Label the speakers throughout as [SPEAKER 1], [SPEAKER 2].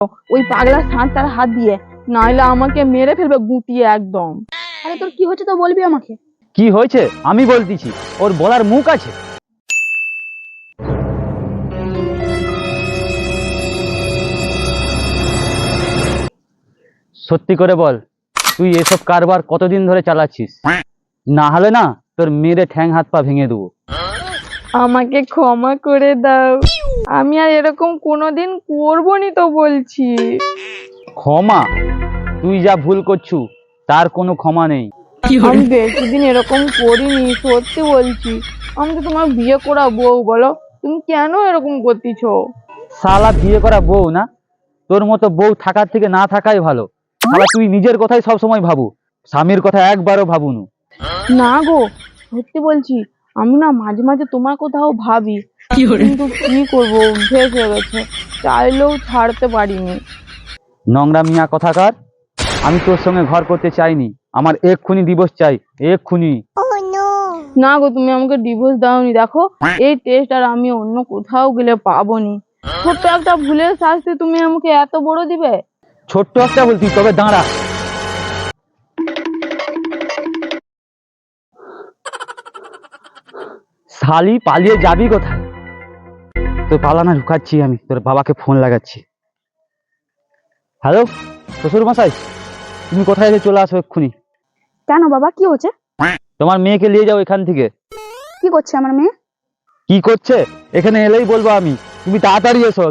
[SPEAKER 1] ওই পাগলা সাঁতার হাত দিয়ে, নাইলে আমাকে মেরে ফেলবে গুটিয়ে একদম।
[SPEAKER 2] আরে তোর কি হচ্ছে তো বলবি আমাকে।
[SPEAKER 3] কি হয়েছে আমি বলতেছি, ওর বলার মুখ আছে? সত্যি করে বল, তুই এসব কারবার কতদিন ধরে চালাচ্ছিস? না হলে না তোর মেরে ঠ্যাং হাত পা ভেঙে দেবো।
[SPEAKER 1] আমাকে ক্ষমা করে দাও, আমি আর এরকম কোনোদিন করবো নি তো বলছি।
[SPEAKER 3] ক্ষমা? তুই যা ভুল করছু তার কোনো ক্ষমা নেই।
[SPEAKER 1] আমি বেশি দিন এরকম করিনি, সত্যি বলছি। আমি তো তোমার বিয়ে করা বউ, বলো তুমি কেন এরকম করতেছো?
[SPEAKER 3] শালা বিয়ে করা বউ না? তোর মতো বউ থাকার থেকে না থাকাই ভালো। শালা তুই নিজের কথাই সব সময় ভাবু, স্বামীর কথা একবারও ভাবুনু।
[SPEAKER 1] না গো, সত্যি বলছি, আমি না মাঝে মাঝে তোমার কথাও ভাবি, কিন্তু কি করবো, অভ্যেস হয়ে গেছে, চাইলেও ছাড়তে পারিনি।
[SPEAKER 3] নোংরা মিয়া কথাকার, আমি তোর সঙ্গে ঘর করতে চাইনি, আমার এক্ষুনি ডিভোর্স চাই, এক্ষুনি।
[SPEAKER 1] না গো, তুমি আমাকে ডিভোর্স দাওনি, দেখো এই টেস্ট আর আমি অন্য কোথাও গেলে পাবো নি। ছোট্ট একটা ভুলের শাস্তি তুমি আমাকে এত বড় দিবে?
[SPEAKER 3] ছোট্ট একটা বলতি, তবে দাঁড়া। শালি পালিয়ে যাবি কোথায়? তোর পালানা ঢুকাচ্ছি আমি, তোর বাবাকে ফোন লাগাচ্ছি। হ্যালো শ্বশুর মশাই, তুমি কোথায় এসে চলে আসো এক্ষুনি।
[SPEAKER 2] কেন বাবা, কি হচ্ছে?
[SPEAKER 3] তোমার মেয়েকে নিয়ে যাও এখান থেকে।
[SPEAKER 2] কি করছে আমার মেয়ে?
[SPEAKER 3] কি করছে এখানে এলেই বলবো আমি, তুমি তাড়াতাড়ি এসো।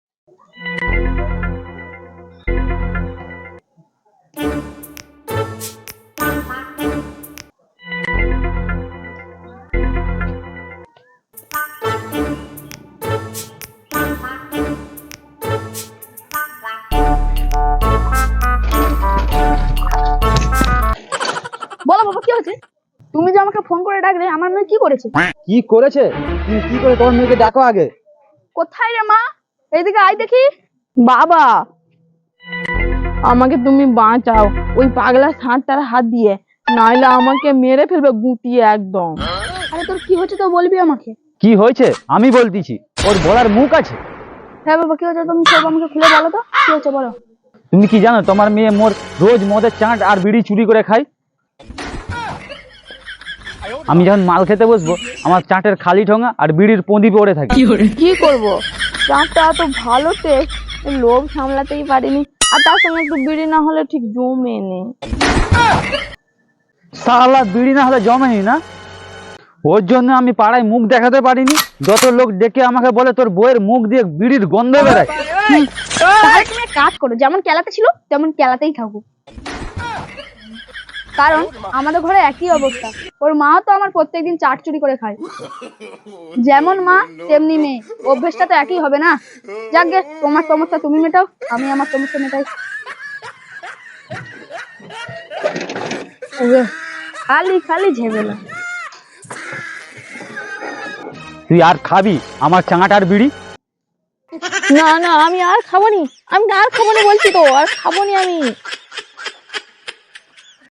[SPEAKER 2] বলো বাবা, কি হচ্ছে? তুমি যে আমাকে ফোন করে ডাকলে, আমার মেয়ে কি করেছে?
[SPEAKER 3] কি করেছে? তুমি কি করে তোমার মেয়েকে ডাকো আগে।
[SPEAKER 2] কোথায় রে মা? এইদিকে আয় দেখি।
[SPEAKER 1] বাবা, আমাকে তুমি বাঁচাও ওই পাগলা সাঁতার হাত দিয়ে, নাইলে আমাকে মেরে ফেলবে গুটিয়ে একদম।
[SPEAKER 2] আরে তোর কি হচ্ছে তো বলবি আমাকে।
[SPEAKER 3] কি হয়েছে আমি বলতেছি, ওর বলার মুখ আছে?
[SPEAKER 2] হ্যাঁ বাবা, কি হচ্ছে তুমি সব আমাকে খুলে বলো তো, কি হচ্ছে বলো।
[SPEAKER 3] তুমি কি জানো তোমার মেয়ে মোর রোজ মদের চাট আর বিড়ি চুরি করে খায়? আমি যখন মাল খেতে বসবো, আমার চাটের খালি ঠোঙা আর বিড়ির পঁদি পড়ে থাকে।
[SPEAKER 1] কি করব, চাঁদটা এত ভালো টেস্ট, লোভ সামলাতেই পারিনি, আর তার সঙ্গে একটু বিড়ি না হলে ঠিক জমে নেই।
[SPEAKER 3] শালা বিড়ি না হলে জমেনি না, ওর জন্য আমি পাড়ায় মুখ দেখাতে পারিনি। যত লোক ডেকে আমাকে বলে তোর বউয়ের মুখ দিয়ে বিড়ির গন্ধ বেরোয়।
[SPEAKER 2] তাহলে তুমি এক কাজ করো, যেমন কেলাতে ছিল তেমন কেলাতেই থাকো। কারণ আমাদের ঘরে একই অবস্থা, ওর মাও তো আমার প্রত্যেকদিন চাট চুরি করে খায়। যেমন মা তেমনি মেয়ে, অভ্যেসটা তো একই হবে না। যাক গে, তোমার সমস্যা তুমি মেটাও, আমি আমার সমস্যা মেটাই। ওরে, খালি খালি ঝেমেলা।
[SPEAKER 3] তুই আর খাবি আমার চাঙাটার বিড়ি?
[SPEAKER 1] না না, আমি আর খাবো নি, আমি আর খাবো নি বলছি তো, আর খাবো নি আমি।